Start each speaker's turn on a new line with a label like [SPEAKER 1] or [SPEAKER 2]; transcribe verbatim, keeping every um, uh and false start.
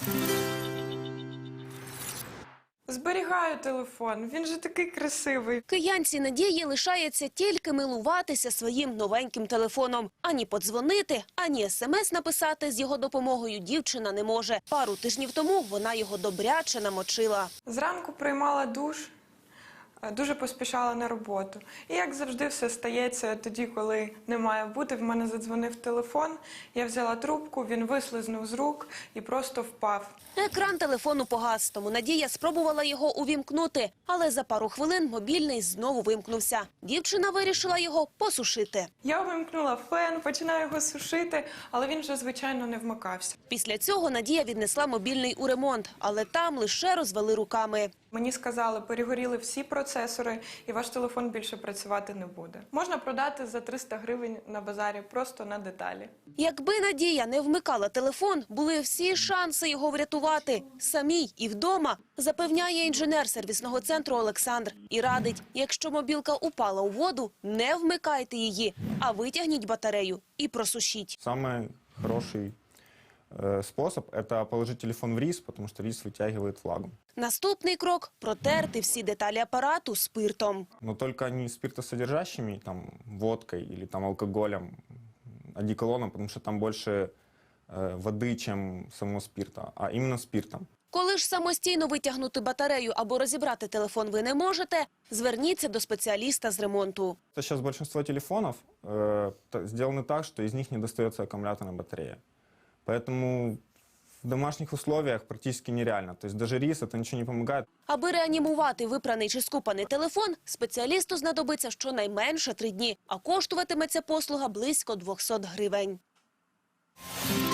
[SPEAKER 1] Зберігаю телефон, він же такий красивий.
[SPEAKER 2] Киянці Надії лишається тільки милуватися своїм новеньким телефоном. Ані подзвонити, ані смс написати з його допомогою дівчина не може. Пару тижнів тому вона його добряче намочила.
[SPEAKER 1] Зранку приймала душ, дуже поспішала на роботу. І як завжди все стається тоді, коли не має бути. В мене задзвонив телефон, я взяла трубку, він вислизнув з рук і просто впав.
[SPEAKER 2] Екран телефону погас, тому Надія спробувала його увімкнути. Але за пару хвилин мобільний знову вимкнувся. Дівчина вирішила його посушити.
[SPEAKER 1] Я вимкнула фен, починаю його сушити, але він вже, звичайно, не вмикався.
[SPEAKER 2] Після цього Надія віднесла мобільний у ремонт, але там лише розвели руками.
[SPEAKER 1] Мені сказали, перегоріли всі процесори і ваш телефон більше працювати не буде. Можна продати за триста гривень на базарі, просто на деталі.
[SPEAKER 2] Якби Надія не вмикала телефон, були всі шанси його врятувати. Самій і вдома, запевняє інженер сервісного центру Олександр. І радить, якщо мобілка упала у воду, не вмикайте її, а витягніть батарею і просушіть.
[SPEAKER 3] Самый хороший э, способ – это положить телефон в рис, потому что рис вытягивает влагу.
[SPEAKER 2] Наступний крок – протерти всі деталі апарату спиртом.
[SPEAKER 3] Но только не спиртосодержащими, там, водкой или там, алкоголем, одеколоном, потому что там больше э, воды, чем самого спирта, а именно спиртом.
[SPEAKER 2] Коли ж самостійно витягнути батарею або розібрати телефон ви не можете, зверніться до спеціаліста з ремонту.
[SPEAKER 3] Сейчас большинство телефонов э, та- сделаны так, что из них не достается аккумуляторная батарея. Поэтому в домашних условиях практически нереально. То есть даже рис это ничего не помогает.
[SPEAKER 2] Аби реанімувати випраний чи скупаний телефон, спеціалісту знадобиться щонайменше три дні, а коштуватиме ця послуга близько двохсот гривень.